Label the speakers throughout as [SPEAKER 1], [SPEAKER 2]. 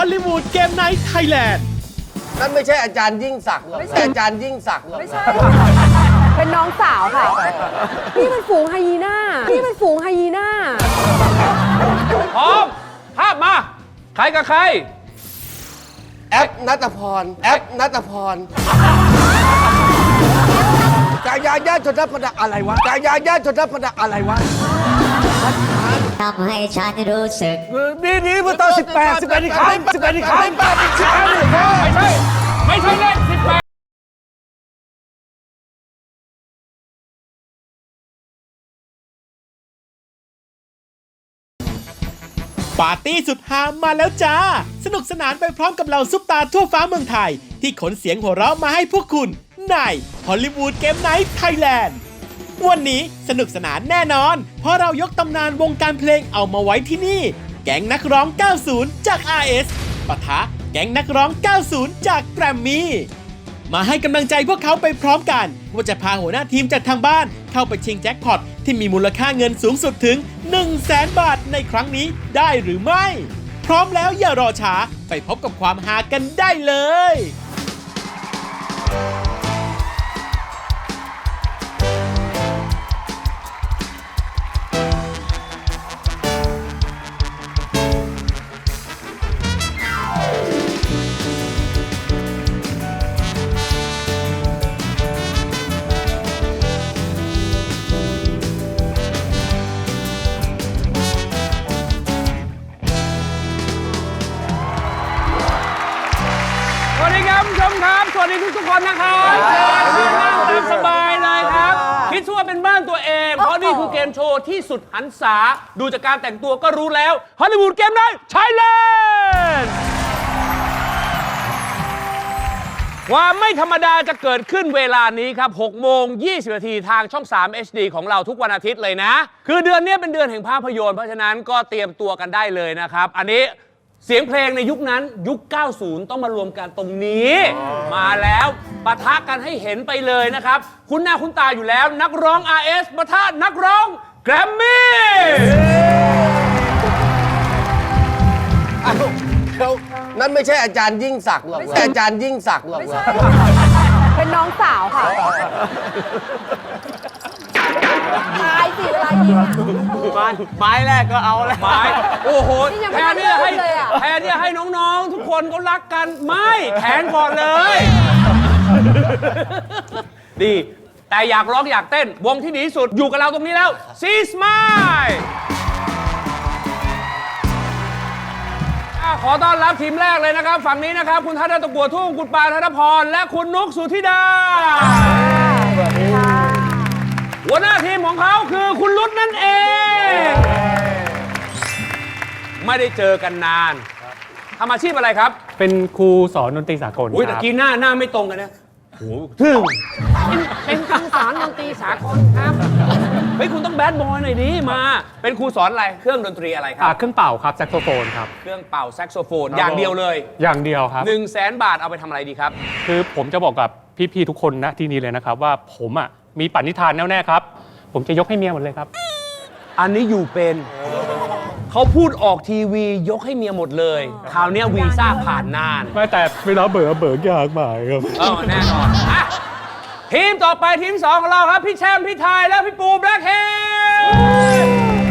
[SPEAKER 1] อลลีวูดเกมไนท์ไทยแลนด์
[SPEAKER 2] นั่นไม่ใช่อาจารย์ยิ่งศักดิ์หรอกอาจารย์ยิ่งศักดิ์หรอกไม่ใช่
[SPEAKER 3] เป็นน้องสาวค่ะพี่เป็นฝูงไฮยีน่า
[SPEAKER 4] พร้อมภาพมาใครกับใคร
[SPEAKER 2] แอปนัตพรกายาญาชนพดักอะไรวะ
[SPEAKER 5] ทำให้ฉันรู้สึก
[SPEAKER 2] นี่เมื่อตอน18อีกครั้ง
[SPEAKER 4] ไม่ใช่เลข18
[SPEAKER 1] ปาร์ตี้สุดฮามาแล้วจ้าสนุกสนานไปพร้อมกับเหล่าซุปตาทั่วฟ้าเมืองไทยที่ขนเสียงหัวเราะมาให้พวกคุณในฮอลลีวูดเกมไนท์ไทยแลนด์วันนี้สนุกสนานแน่นอนเพราะเรายกตำนานวงการเพลงเอามาไว้ที่นี่แก๊งนักร้อง 90 จาก RS ปะทะแก๊งนักร้อง 90 จากแกรมมี่มาให้กำลังใจพวกเขาไปพร้อมกันว่าจะพาหัวหน้าทีมจากทางบ้านเข้าไปชิงแจ็คพอตที่มีมูลค่าเงินสูงสุดถึง 100,000 บาทในครั้งนี้ได้หรือไม่พร้อมแล้วอย่ารอช้าไปพบกับความฮากันได้เลย
[SPEAKER 4] สวัสดีครับผู้ชมครับสวัสดีทุกคนนะครับนั่งตามสบายเลยครับคิดว่าเป็นบ้านตัวเองเพราะนี่คือเกมโชว์ที่สุดหันษาดูจากการแต่งตัวก็รู้แล้วฮอลลีวูดเกมไนท์ไทยแลนด์ความไม่ธรรมดาจะเกิดขึ้นเวลานี้ครับ6 โมง 20 นาทีทางช่อง 3 HD ของเราทุกวันอาทิตย์เลยนะคือเดือนนี้เป็นเดือนแห่งภาพยนตร์เพราะฉะนั้นก็เตรียมตัวกันได้เลยนะครับอันนี้เสียงเพลงในยุคนั้นยุค 90 ต้องมารวมกันตรงนี้มาแล้วปะทะกันให้เห็นไปเลยนะครับคุณหน้าคุณตาอยู่แล้วนักร้อง RS ปะทะนักร้องแกรมมี่
[SPEAKER 2] นั่นไม่ใช่อาจารย์ยิ่งศักดิ์หรอกอาจารย์ยิ่งศักดิ์หรอก
[SPEAKER 3] เป็นน้องสาวค่ะตายสิเวลายิง
[SPEAKER 4] ไม้แรกก็เอาแล้วไม้โอ้โหแทนที่จะให้น้องๆทุกคนเขารักกันไม่แทงก่อนเลยดีแต่อยากร้องอยากเต้นวงที่ดีที่สุดอยู่กับเราตรงนี้แล้วซีสมายขอต้อนรับทีมแรกเลยนะครับฝั่งนี้นะครับคุณทัศน์ตะกัวทุ่งคุณปาธนพรและคุณนุกสุธิดาสวัสดีค่ะหัวหน้าทีมของเขาคือคุณรุตนั่นเองไม่ได้เจอกันนานทำอาชีพอะไรครับ
[SPEAKER 6] เป็นครูสอนดนตรีสากล
[SPEAKER 4] อุ้ยตะกี้หน้าไม่ตรงกันนะโอ้ถึงเป็นครูสอนดนตรีสากลครับเฮ้ยคุณต้องแบดบอยหน่อยดิมาเป็นครูสอนอะไรเครื่องดนตรีอะไรครับ
[SPEAKER 6] เครื่องเป่าครับแซกโซโฟนครับ
[SPEAKER 4] เครื่องเป่าแซกโซโฟนอย่างเดียวเลย
[SPEAKER 6] อย่างเดียวครับ
[SPEAKER 4] 100,000 บาทเอาไปทำอะไรดีครับ
[SPEAKER 6] คือผมจะบอกกับพี่ๆทุกคนนะที่นี่เลยนะครับว่าผมมีปณิธานแน่ๆครับผมจะยกให้เมียหมดเลยครับ
[SPEAKER 4] อันนี้อยู่เป็นเขาพูดออกทีวียกให้เมียหมดเลยคราวนี้วีซ่าผ่านนาน
[SPEAKER 6] ไม่แต่เวลาเบิกยากมากครับ
[SPEAKER 4] แน่นอนทีมต่อไปทีม2ของเราครับพี่แชมป์พี่ไทยและพี่ปูแบล็คเฮด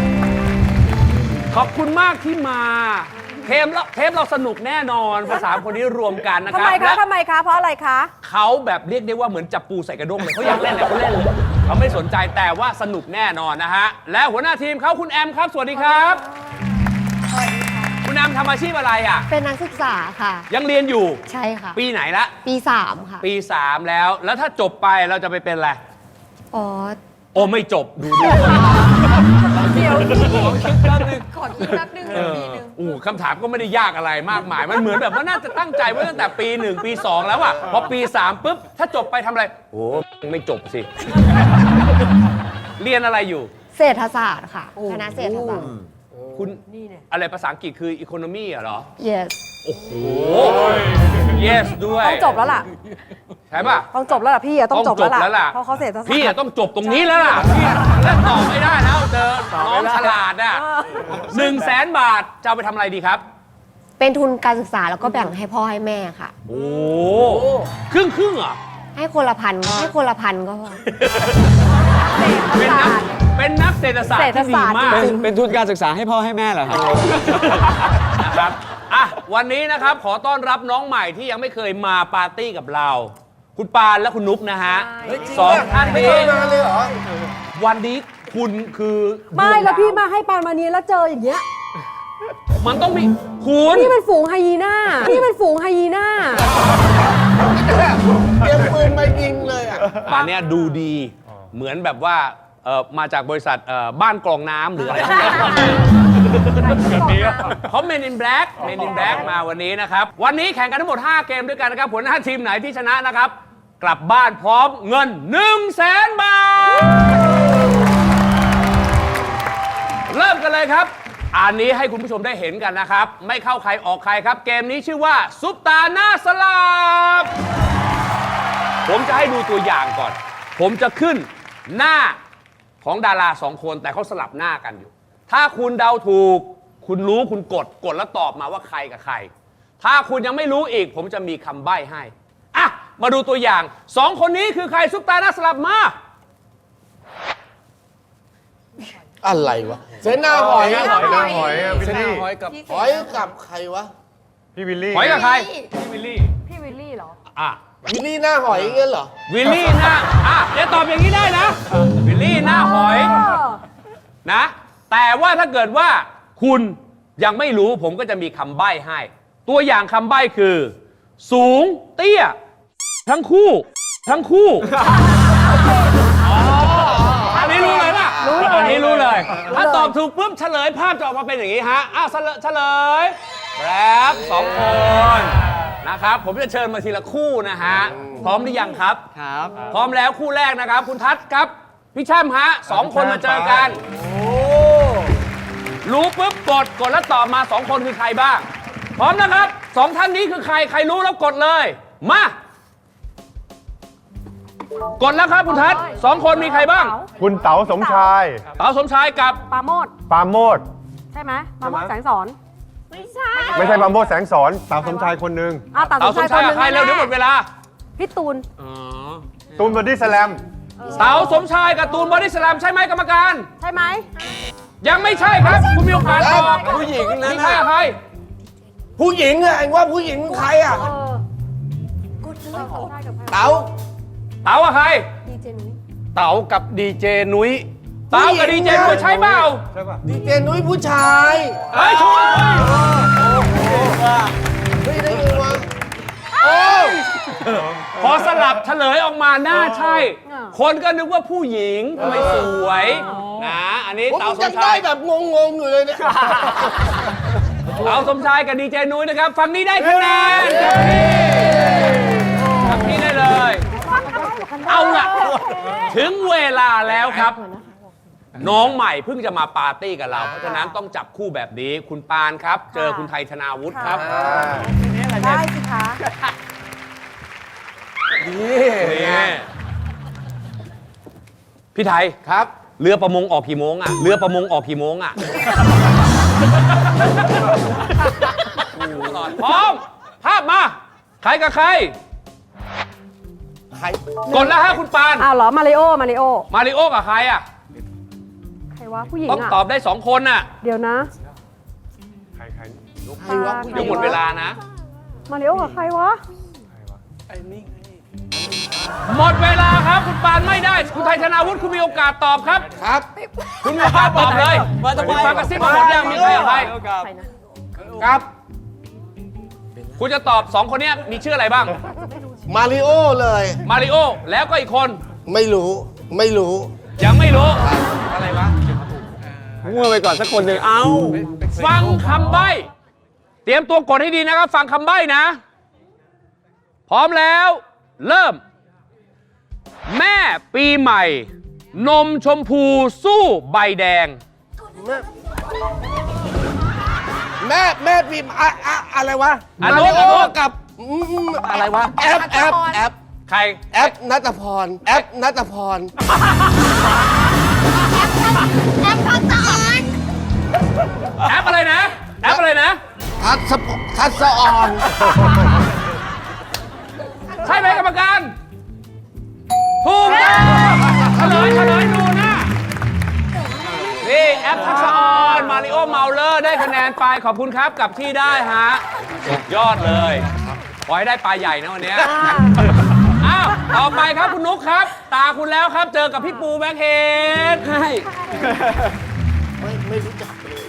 [SPEAKER 4] ขอบคุณมากที่มาเทปเราสนุกแน่นอนภาษาคนนี้รวมกันนะครับ
[SPEAKER 3] ทำไมคะเพราะอะไรคะ
[SPEAKER 4] เขาแบบเรียกได้ว่าเหมือนจับปูใส่กระด้งเลยเขาอยากเล่นแหละเขาเล่นเลยเขาไม่สนใจแต่ว่าสนุกแน่นอนนะฮะและหัวหน้าทีมเขาคุณแอมครับสวัสดีครับ
[SPEAKER 5] สวัสดีค่ะ
[SPEAKER 4] คุณแอมทำอาชีพอะไร
[SPEAKER 5] เป็นนักศึกษาค่ะ
[SPEAKER 4] ยังเรียนอยู่
[SPEAKER 5] ใช่ค่ะ
[SPEAKER 4] ปีไหนละ
[SPEAKER 5] ปี3ค่ะ
[SPEAKER 4] ปี3แล้วถ้าจบไปเราจะไปเป็นอะไร
[SPEAKER 5] โอ้
[SPEAKER 4] ไม่จบดู
[SPEAKER 3] เดี๋ยว
[SPEAKER 4] คิดแป๊บนึง
[SPEAKER 3] ขอคิดแป๊บนึงปีนึง
[SPEAKER 4] คำถามก็ไม่ได้ยากอะไรมากมายมันเหมือนแบบว่าน่าจะตั้งใจไว้ตั้งแต่ปี1ปี2แล้วพอปี3ปุ๊บถ้าจบไปทำอะไรไม่จบสิเรียนอะไรอยู่
[SPEAKER 5] เศรษฐศาสตร์ค่ะคณะเศรษฐศาสตร์
[SPEAKER 4] คุณอะไรภาษาอังกฤษคือ economy เหรอ
[SPEAKER 5] yes
[SPEAKER 4] โอ้โห yes ด้วย
[SPEAKER 3] ต้องจบแล้วล่ะ
[SPEAKER 4] ใช่ป่ะ
[SPEAKER 3] ต้องจบแล้วล่ะพี่ต้องจบแล้วล่ะเพราะเขาเศรษฐศาสตร์
[SPEAKER 4] พี่ต้องจบตรงนี้แล้วล่ะพี่แล้วตอบไม่ได้แล้วเจอน้องฉลาด100,000 บาทจะเอาไปทำอะไรดีครับ
[SPEAKER 5] เป็นทุนการศึกษาแล้วก็แบ่งให้พ่อให้แม่ค่ะ
[SPEAKER 4] โอ้ครึ่งเหรอ
[SPEAKER 5] ให้คนละพันให้คนละพันก็พอ
[SPEAKER 4] เป็นนักเศรษฐศาสตร์ที่ดีมาก
[SPEAKER 7] เป็นทุนการศึกษาให้พ่อให้แม่เหรอครับ
[SPEAKER 4] นะครับอ่ะวันนี้นะครับขอต้อนรับน้องใหม่ที่ยังไม่เคยมาปาร์ตี้กับเรา คุณปานและคุณนุ๊กนะฮะ สองท่าน
[SPEAKER 2] ไม่
[SPEAKER 4] นี้
[SPEAKER 2] เคยมาเลยเหรอ
[SPEAKER 4] วันนี้คุณคือ
[SPEAKER 3] ไม่แล้วพี่มาให้ปานมานี้แล้วเจออย่างเงี้ย
[SPEAKER 4] มันต้องมีคุณ
[SPEAKER 3] นี่เป็นฝูงไฮยีน่านี่เป็นฝูงไฮยีน่า
[SPEAKER 2] เตรียมปืนมายิงเลยอ่ะ
[SPEAKER 4] อันเนี้ยดูดีเหมือนแบบว่ามาจากบริษัทบ้านกรองน้ำหรืออะไรเขาเมนอินแบล็กมาวันนี้นะครับ วันนี้แข่งกันทั้งหมด 5 เกมด้วยกันนะครับหัวหน้าทีมไหนที่ชนะนะครับ กลับบ้านพร้อมเงิน 100,000 บาท เริ่มกันเลยครับ อันนี้ให้คุณผู้ชมได้เห็นกันนะครับ ไม่เข้าใครออกใครครับ เกมนี้ชื่อว่าซุปตาหน้าสลับ ผมจะให้ดูตัวอย่างก่อน ผมจะขึ้นหน้าของดารา2 คนแต่เขาสลับหน้ากันอยู่ ถ้าคุณเดาถูก คุณรู้คุณกดแล้วตอบมาว่าใครกับใคร ถ้าคุณยังไม่รู้อีก ผมจะมีคำใบ้ให้ อ่ะ มาดูตัวอย่าง 2 คนนี้คือใครซุปตาหน้าสลับมา
[SPEAKER 2] อะไรวะ เสนาหอย
[SPEAKER 8] หอยวิลลี่
[SPEAKER 2] หอยกับใครวะ
[SPEAKER 8] พี่วิลลี่
[SPEAKER 4] หอยกับใคร
[SPEAKER 3] พี่วิลลี่เหรอ
[SPEAKER 4] อ่ะ
[SPEAKER 2] วิลลี่หน้าหอยเงี้ยเหรอ
[SPEAKER 4] วิลลี่หน้าอย่าตอบอย่างนี้ได้นะ วิลลี่หน้าหอยนะ แต่ว่าถ้าเกิดว่าคุณยังไม่รู้ผมก็จะมีคำใบ้ให้ ตัวอย่างคำใบ้คือ สูงเตี้ย ทั้งคู่อันนี้รู้เลยป่ะอันนี้รู้เลย ถ้าตอบถูกปุ๊บเฉลยภาพจะออกมาเป็นอย่างนี้ฮะเฉลยแรป2 คนนะครับ ผมจะเชิญมาทีละคู่นะฮะ พร้อมหรือยังครับ
[SPEAKER 7] ครับ
[SPEAKER 4] พร้อมแล้วคู่แรกนะครับ คุณทัศน์ครับ พี่แช่มฮะ2 คนมาเจอกัน รู้ปุ๊บกดแล้วตอบมา 2 คนคือใครบ้าง พร้อมนะครับ 2 ท่านนี้คือใครรู้แล้วกดเลย มา กดแล้วครับคุณทัศน์2 คนมีใครบ้าง
[SPEAKER 8] คุณเต๋าสมชาย
[SPEAKER 4] เต๋าสมชายกับ
[SPEAKER 3] ปาโมด
[SPEAKER 8] ปราโมด
[SPEAKER 3] ใช่ไหมปาโมดแสงสอน
[SPEAKER 8] ไม่ใช่ปราโมดแสงสอน เต๋าสมชายคนหนึ่ง
[SPEAKER 3] ตา
[SPEAKER 4] เต๋า
[SPEAKER 3] ส
[SPEAKER 4] ส
[SPEAKER 3] ม
[SPEAKER 4] ม
[SPEAKER 3] ชา
[SPEAKER 4] ชาย ย
[SPEAKER 3] ค
[SPEAKER 4] กับ
[SPEAKER 3] น
[SPEAKER 4] ใคร
[SPEAKER 3] นึง
[SPEAKER 4] เร็วเดี๋ยวหมดเวลา
[SPEAKER 3] พี่ตูน
[SPEAKER 8] ตูนบอดี้สแลม
[SPEAKER 4] เต๋าสมชายกับตูนบอดี้สแลมใช่ไหมกรรมการ
[SPEAKER 3] ใช่ไหม
[SPEAKER 4] ยังไม่ใช่ครับ คุณมีโอกาสตอบ
[SPEAKER 2] ผู้หญิงนะ
[SPEAKER 4] มีใครกับใคร
[SPEAKER 2] ผู้หญิงอะไอ้ว่าผู้หญิงใครอะเต๋า
[SPEAKER 4] เต๋ากับใคร
[SPEAKER 7] เต๋ากับดีเจนุ้ย
[SPEAKER 4] เต๋ากับดีเจคุยใช่เปล่า
[SPEAKER 2] ดีเจนุ้ยผู้ชาย
[SPEAKER 4] เฮ้ยช่วย
[SPEAKER 2] เฮ้ยได้ไงวะ
[SPEAKER 4] พอสลับเฉลยออกมาน่าใช่ คนก็นึกว่าผู้หญิงทำไมสวยนะอันนี้
[SPEAKER 2] ผม
[SPEAKER 4] เต๋าส
[SPEAKER 2] ยั
[SPEAKER 4] ม
[SPEAKER 2] ง
[SPEAKER 4] ชา
[SPEAKER 2] ได้
[SPEAKER 4] ย
[SPEAKER 2] แบบงงๆอยู่เลยเนี่ย
[SPEAKER 4] เต๋าสมชายกับดีเจนุ้ยนะครับฝั่งนี้ได้คะแนนฝั่งนี้ได้เลย เอาล่ะถึงเวลาแล้วครับ น้องใหม่เพิ่งจะมาปาร์ตี้กับเรา เพราะฉะนั้นต้องจับคู่แบบนี้ คุณปานครับ เจอคุณไทยธนาวุฒิครับ
[SPEAKER 3] ได้สิคะ
[SPEAKER 4] นี่พี่ไทย
[SPEAKER 2] ครับ
[SPEAKER 4] เรือประมงออกกี่โมงอ่ะ เรือประมงออกกี่โมงอ่ะ พร้อม ภาพมา ใครกับใคร
[SPEAKER 2] ใคร
[SPEAKER 4] กดแล้วฮะคุณปาน
[SPEAKER 3] อ้าวเหรอ มาริโอ
[SPEAKER 4] มาริโอกับใครอ่ะ
[SPEAKER 3] ใครวะ ผู้หญิง
[SPEAKER 4] ต้อง
[SPEAKER 3] อ่ะ
[SPEAKER 4] ตอบได้ 2 คนน่ะ
[SPEAKER 3] เดี๋ยวนะ
[SPEAKER 8] ใคร
[SPEAKER 2] ใครวะผู้ห
[SPEAKER 4] เดี๋
[SPEAKER 2] ญิ
[SPEAKER 4] ยว
[SPEAKER 2] ง
[SPEAKER 4] หมดเวลานะ
[SPEAKER 3] มาริโอกับใครวะ
[SPEAKER 4] หมดเวลาครับ คุณปานไม่ได้ คุณไทยธนาวุฒิคุณมีโอกาสตอบครับ
[SPEAKER 2] ครับ
[SPEAKER 4] คุณมีโอกาสตอบเลยคุณปานกระซิบมาหมดยังมีใครกับใคร
[SPEAKER 2] ครับ
[SPEAKER 4] คุณจะตอบ 2 คนเนี้ยมีชื่ออะไรบ้าง
[SPEAKER 2] มาริโอเลย
[SPEAKER 4] มาริโอ แล้วก็อีกคน
[SPEAKER 2] ไม่รู้ ไม่รู้
[SPEAKER 4] ยังไม่รู้ อะไรวะ
[SPEAKER 7] มั่วไปก่อนสักคนหนึ่งเอ้า
[SPEAKER 4] ฟังคำใบ้ เตรียมตัวกดให้ดีนะครับ ฟังคำใบ้นะ พร้อมแล้ว เริ่ม แม่ปีใหม่ นมชมพูสู้ใบแดง
[SPEAKER 2] แม่พิมพ์อะไรวะ
[SPEAKER 4] อัน
[SPEAKER 2] มา
[SPEAKER 4] โน้
[SPEAKER 2] ริ
[SPEAKER 4] น
[SPEAKER 2] โอ
[SPEAKER 4] อันโน้น
[SPEAKER 2] กับอะไรวะ แอป
[SPEAKER 4] ใคร
[SPEAKER 2] นัตพร แอปนัตพร
[SPEAKER 4] แอปอะไรนะ แอปอะไรนะ
[SPEAKER 2] คทัศออน
[SPEAKER 4] ใช่ไหมกรรมการ ถูกต้องเฉลยดูนะนี่แอปทักษะออนมาริโอเมาเลอร์ได้คะแนนไปขอบคุณครับกับที่ได้ฮะสุดยอดเลยขอให้ได้ปลาใหญ่นะวันนี้อ้าวต่อไปครับคุณนุ๊กครับ ตาคุณแล้วครับเจอกับพี่ปูแบ็คเฮดใช่ไม่รู้จักเลย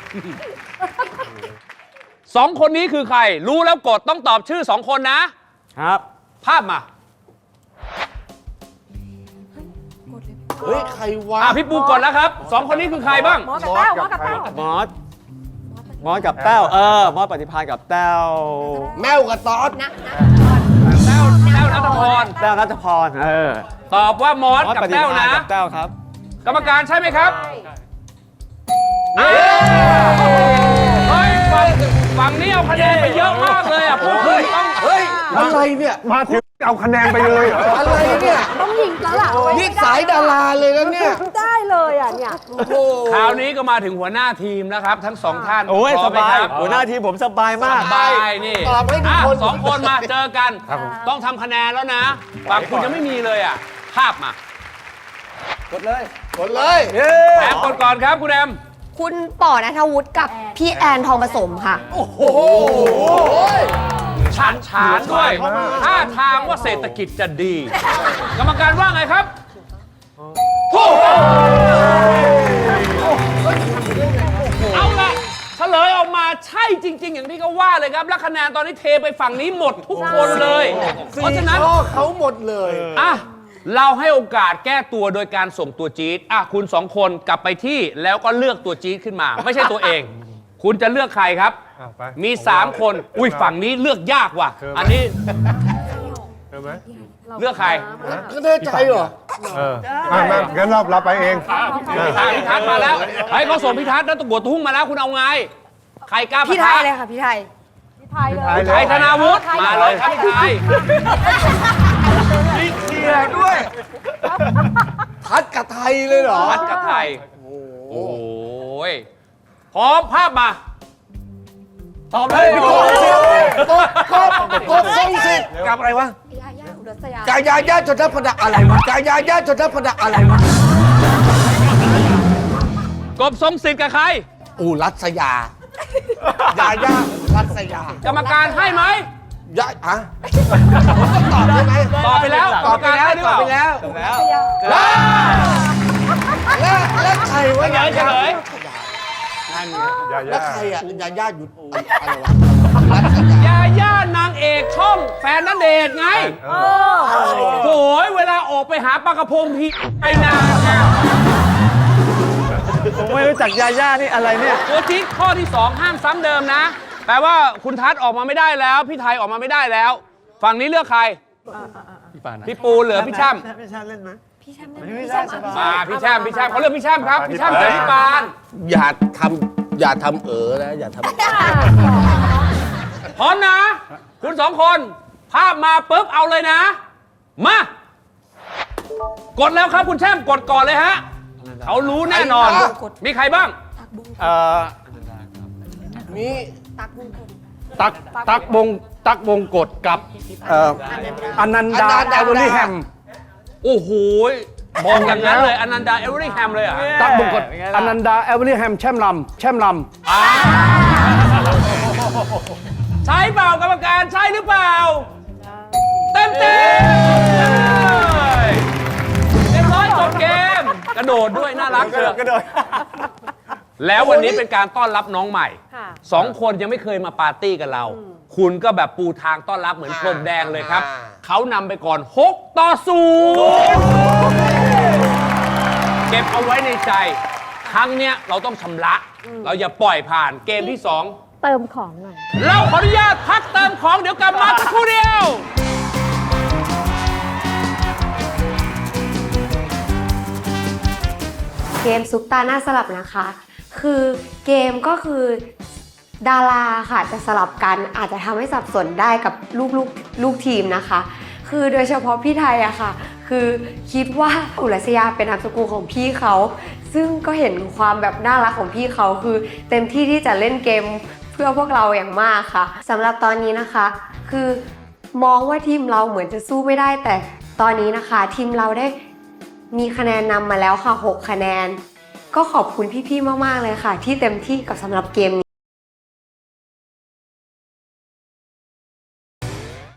[SPEAKER 4] สองคนนี้คือใครรู้แล้วกดต้องตอบชื่อสองคนนะครับ ภาพมา
[SPEAKER 2] เฮ้ย ใครวะ
[SPEAKER 4] พี่ปูกดแล้วครับสองคนนี้คือใครบ้าง
[SPEAKER 3] มอสกับแต้วมอสกับแต้ว
[SPEAKER 7] มอสกับแต้วมอสปฏิภาณกับแต้ว
[SPEAKER 2] แมวกับตอด
[SPEAKER 4] แต้วนัทพร
[SPEAKER 7] แต้วรัชพร
[SPEAKER 4] ตอบว่ามอส
[SPEAKER 7] มอส
[SPEAKER 4] กับ
[SPEAKER 7] ปฏิ
[SPEAKER 4] แต้ว
[SPEAKER 7] ภาณ
[SPEAKER 4] นะ
[SPEAKER 7] กับแต้วครับ
[SPEAKER 4] กรรมการใช่ไหมครับเฮ้ยฝั่งนี้เอาคะแนนไปเยอะมากเลยอ่ะพวกคุณต้อง
[SPEAKER 2] เฮ้ย อะไรเนี่ย
[SPEAKER 8] มาถึงเอาคะแนนไปเลยเหรอ
[SPEAKER 2] อะไรเนี่ย
[SPEAKER 3] ต้องยิงแล้วล่ะ
[SPEAKER 2] นี่สายดาราเลยนะเนี่ย
[SPEAKER 3] ได้เลยอ่ะเนี่ย
[SPEAKER 2] โอ้โห
[SPEAKER 4] คราวนี้ก็มาถึงหัวหน้าทีมนะครับ ทั้งสองท่าน
[SPEAKER 7] โอ้ย
[SPEAKER 4] พร้
[SPEAKER 7] ส
[SPEAKER 4] มไหม
[SPEAKER 7] บาย
[SPEAKER 4] ครับ
[SPEAKER 7] หัวหน้าทีมผมสบายมาก
[SPEAKER 4] สบายนี่
[SPEAKER 2] ตอบให้ทุกคน
[SPEAKER 4] สองคนมาเจอกัน ต้องทำคะแนนแล้วนะฝั่งคุณยังไม่มีเลยอ่ะภาพมาก
[SPEAKER 2] ดเลย
[SPEAKER 4] แอมกดก่อนครับคุณแอม
[SPEAKER 5] คุณป๋อณัฐวุฒิกับพี่แอนทองผสมค่ะ
[SPEAKER 2] โอ้โห
[SPEAKER 4] ฉานด้วยท่าทางว่าเศรษฐกิจจะดี กรรมการว่าไงครับถูกเอาละเฉลยออกมาใช่จริง ๆ อย่างที่เขาว่าเลยครับและคะแนนตอนนี้เทไปฝั่งนี้หมดทุกคนเลย เพราะฉะนั้น
[SPEAKER 2] ข้อเขาหมดเลย
[SPEAKER 4] อ่ะเราให้โอกาสแก้ตัวโดยการส่งตัวจี๊ดคุณสองคนกลับไปที่แล้วก็เลือกตัวจี๊ดขึ้นมา ไม่ใช่ตัวเอง คุณจะเลือกใครครับ
[SPEAKER 8] ไป
[SPEAKER 4] มี 3 คนอุ้ยฝั่งนี้เลือกยากว่ะ อันนี้
[SPEAKER 8] เจอไหม
[SPEAKER 4] เลือกใคร
[SPEAKER 2] ก็แน่ใจเหรอ
[SPEAKER 8] มางั้นเราไปเอง
[SPEAKER 4] พี่ทัศน์มาแล้วให้เขาส่งพี่ทัศน์แล้วตะกัวทุ่งมาแล้วคุณเอาไง ใครกล้าปะ
[SPEAKER 5] พี่ไท
[SPEAKER 4] ทะ
[SPEAKER 5] ยเลยค่ะ พี่ไทย
[SPEAKER 3] พี่ไทยเลย
[SPEAKER 4] พี่ไทยธนาวุฒิมาเลยครับพี่ไทย
[SPEAKER 2] มีเคลียร์ด้วย ทัดกับไทยเลยเหรอ
[SPEAKER 4] ทัศน์กับไทยโอ้ยพร้อมภาพมา
[SPEAKER 7] ตอบเลย
[SPEAKER 2] กบทรงสิทธิ์กับอะไรวะ
[SPEAKER 5] ยาย่าอุรัสยา
[SPEAKER 2] กายาญาจดทัพดะอะไรวะกายาญาจดทัพดะอะไรวะ
[SPEAKER 4] กบทรงสิทธิ์กับใคร
[SPEAKER 2] รัสยา ยาญารัสยา
[SPEAKER 4] กรรมการให้ไหม
[SPEAKER 2] ยาอะผมต้องตอบได้ไหม
[SPEAKER 4] ตอบไปแล้วกรรมการให้หรือเปล่า
[SPEAKER 2] แล้วใครวะ
[SPEAKER 4] เฉลย
[SPEAKER 2] แล้วใครอ่ะยาญาหยุดอะไรวะรัสยา
[SPEAKER 4] ยาย่านางเอกช่องแฟนนันเดชน์ไงโอ้ยเวลาออกไปหาปลากระพงทีไปนานไง
[SPEAKER 7] ผมไม่รู้จักยาย่านี่อะไรเนี่ย
[SPEAKER 4] ตัวจี๊ดข้อที่ 2 ห้ามซ้ำเดิมนะ แปลว่าคุณทัศน์ออกมาไม่ได้แล้ว พี่ไทยออกมาไม่ได้แล้ว ฝั่งนี้เลือกใคร พี่ปูเหลือพี่ช่ำ
[SPEAKER 7] พี่ชาเล่นไหม
[SPEAKER 3] พี่แชมป์
[SPEAKER 4] มาพี่ช่ำเขาเลือกพี่ช่ำครับ พี่ช่ำเจอพี่ปาน
[SPEAKER 2] อย่าทำนะอย่าทำ
[SPEAKER 4] พร้อมนะ คุณ2 คน ภาพมาปุ๊บเอาเลยนะ มา กดแล้วครับคุณแช่มกดก่อนเลยฮะ เขารู้แน่นอน มีใครบ้าง
[SPEAKER 2] มี
[SPEAKER 7] ตักบงกฎกับอนันดาแอลเวอรี่แฮม
[SPEAKER 4] โอ้โหบอกอย่างนั้นเลยอนันดาเอเวอร์แฮมเลยเหรอ่ะ
[SPEAKER 7] ตักบงกฎอนันดาแอลเวอรี่แฮมแช่มลำ
[SPEAKER 4] ใช่เปล่ากรรมการใช่หรือเปล่า เต็มเรียบร้อยจบเกม กระโดดด้วยน่ารักเชียวแล้ววันนี้เป็นการต้อนรับน้องใหม่ 2 คนยังไม่เคยมาปาร์ตี้กับเรา คุณก็แบบปูทางต้อนรับเหมือนพรมแดงเลยครับ เขานำไปก่อน6-0 เก็บเอาไว้ในใจ ครั้งเนี้ยเราต้องชำระ เราอย่าปล่อยผ่านเกมที่ 2
[SPEAKER 3] เติมของหน่อย
[SPEAKER 4] เราขออนุญาตพักเติมของเดี๋ยวกลับมาสักครู่เดียว
[SPEAKER 5] เกมซุปตาหน้าสลับนะคะ คือเกมก็คือดาราค่ะจะสลับกันอาจจะทำให้สับสนได้กับลูกทีมนะคะ คือโดยเฉพาะพี่ไทยอะค่ะ คือคิดว่าอุรัสยาเป็นนามสกุลของพี่เขา ซึ่งก็เห็นความแบบน่ารักของพี่เขาคือเต็มที่ที่จะเล่นเกมเพื่อพวกเราอย่างมากค่ะสำหรับตอนนี้นะคะ คือมองว่าทีมเราเหมือนจะสู้ไม่ได้แต่ตอนนี้นะคะทีมเราได้มีคะแนนนำมาแล้วค่ะ6 คะแนน ก็ขอบคุณพี่ๆมากๆเลยค่ะ ที่เต็มที่กับสำหรับเกมนี้